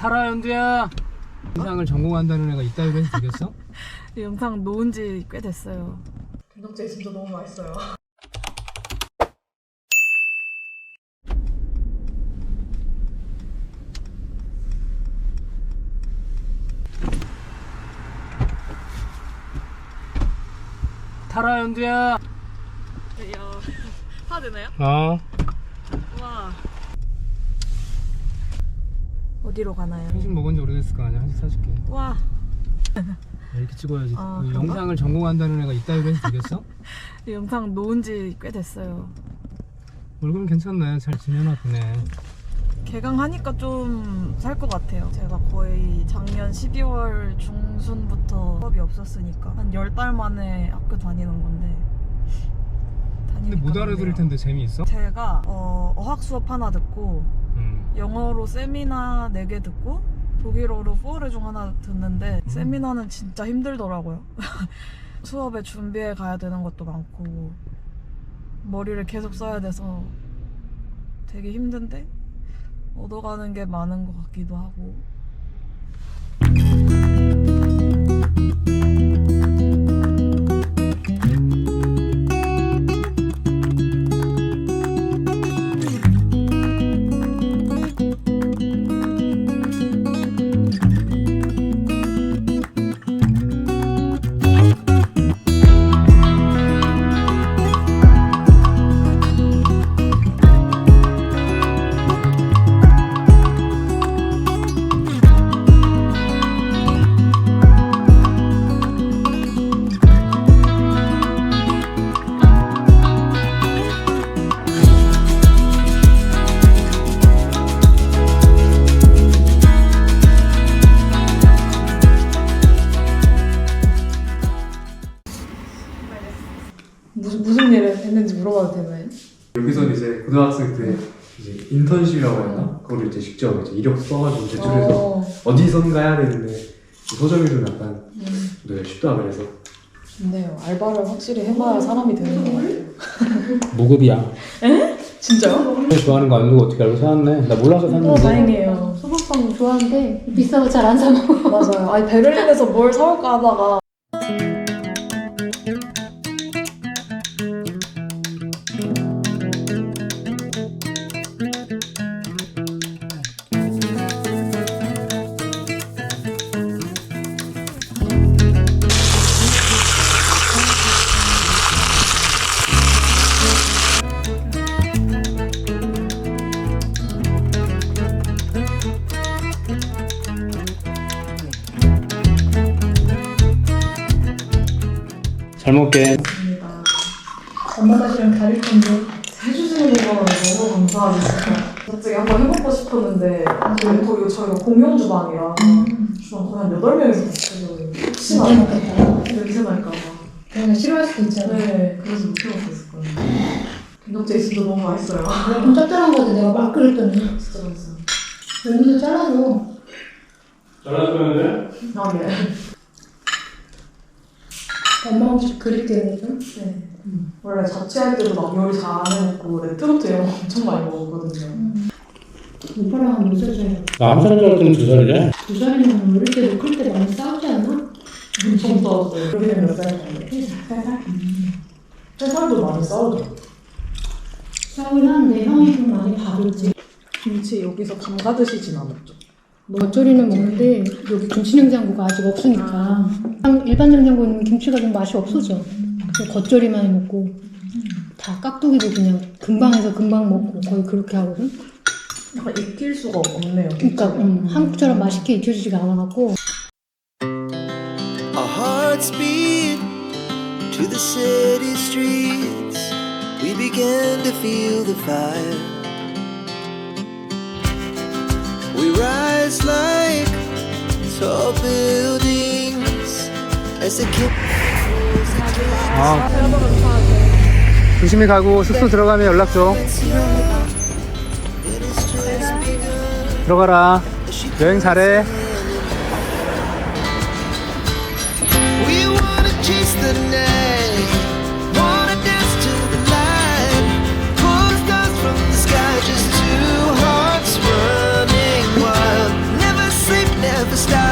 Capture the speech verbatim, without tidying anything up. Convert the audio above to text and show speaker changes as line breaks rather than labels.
타라 연두야. 영상을 전공한다는 애가 이따위로 해서 되겠어?
이 영상 놓은 지 꽤 됐어요.
된장찌개 진짜 너무 맛있어요.
타라 연두야.
이야, 사 되나요?
어.
와. 어디로 가나요?
한식 먹은 지 오래됐을 거 아니야. 한식 사줄게.
와.
이렇게 찍어야지.
아,
그
그런가?
영상을 전공한다는 애가 이따위로 해서 되겠어?
이 영상 놓은 지 꽤 됐어요.
얼굴은 괜찮네. 잘 지내나 보네.
개강하니까 좀 살 것 같아요. 제가 거의 작년 십이월 중순부터 수업이 없었으니까 한 열 달 만에 학교 다니는 건데.
근데 못 알아들을 텐데 재미있어?
제가 어, 어학 수업 하나 듣고
음.
영어로 세미나 네 개 듣고 독일어로 포어레중 하나 듣는데
음.
세미나는 진짜 힘들더라고요. 수업에 준비해 가야 되는 것도 많고 머리를 계속 써야 돼서 되게 힘든데 얻어가는 게 많은 것 같기도 하고.
무슨 무슨 일을 했는지 물어봐도 되나요?
여기서 이제 고등학생 때 이제 인턴십이라고 했나? 그걸 이제 직접 이제 이력 써가지고 제출해서
어,
어디선가 해야 되는데 서점이 좀 약간
음,
네, 쉽다 그래서
좋네요. 알바를 확실히 해봐야 사람이 되는 것 같아요.
무급이야.
진짜요?
좋아하는 거 알고 어떻게 알고 사왔네. 나 몰라서
어,
샀는데.
다행이에요.
소금빵 좋아하는데 비싸고 잘 안 사 먹어.
맞아요. 아니 베를린에서 뭘 사올까 하다가
잘 먹게.
엄마 맛이랑 다를 텐데.
해주시는 거는 너무 감사하죠. 진짜. 갑자기 한번 해보고 싶었는데 사실 거기 저희가 공용 주방이라 주방 거의 한 여덟 명이서 같이 해요. 혹시나
진짜 먹겠다.
냄새 날까봐.
그냥 싫어할 수도 있잖아.
네, 그래서 못 해먹었을 거예요. 된장찌개 진짜 너무 맛있어요.
좀 짭짤한 거지 내가 막 끓였더니.
진짜 맛있어요.
여기서 잘라줘.
잘라주면
아, 네.
엄마 혹시 그릴게요 좀?
네. 원래 자취할 때도 막 요리 잘 안 해먹고 레트로트 이런 거 엄청 많이 먹었거든요.
오빠랑 한 몇 살 차이야?
나한 살 때는 두 살이래.
두 살이면 어릴 때도 클 때 많이 싸우지 않아?
엄청 싸웠어요. 여기는 몇 살인데? 세 살? 세 살도 많이 싸우죠.
싸우긴 하는데 형이 좀 많이 봐줬지.
김치 여기서 담가 드시진 않았죠?
겉절이는 먹는데 여기 김치 냉장고가 아직 없으니까 일반 냉장고는 김치가 좀 맛이 없어져. 그래서 겉절이만 먹고 다 깍두기도 그냥 금방 해서 금방 먹고 거의 그렇게 하거든.
약간 익힐 수가 없네요.
그러니까 음, 한국처럼 맛있게 익혀지지가 않아갖고.
Our hearts beat to the city streets. We began to feel the fire. We rise like tall buildings as the kid.
아. 조심히 가고 숙소 들어가면 연락 줘. 들어가라. 여행 잘해.
We wanna chase the night, wanna dance to the light, pull stars from the sky, just two hearts running wild. Never the stars.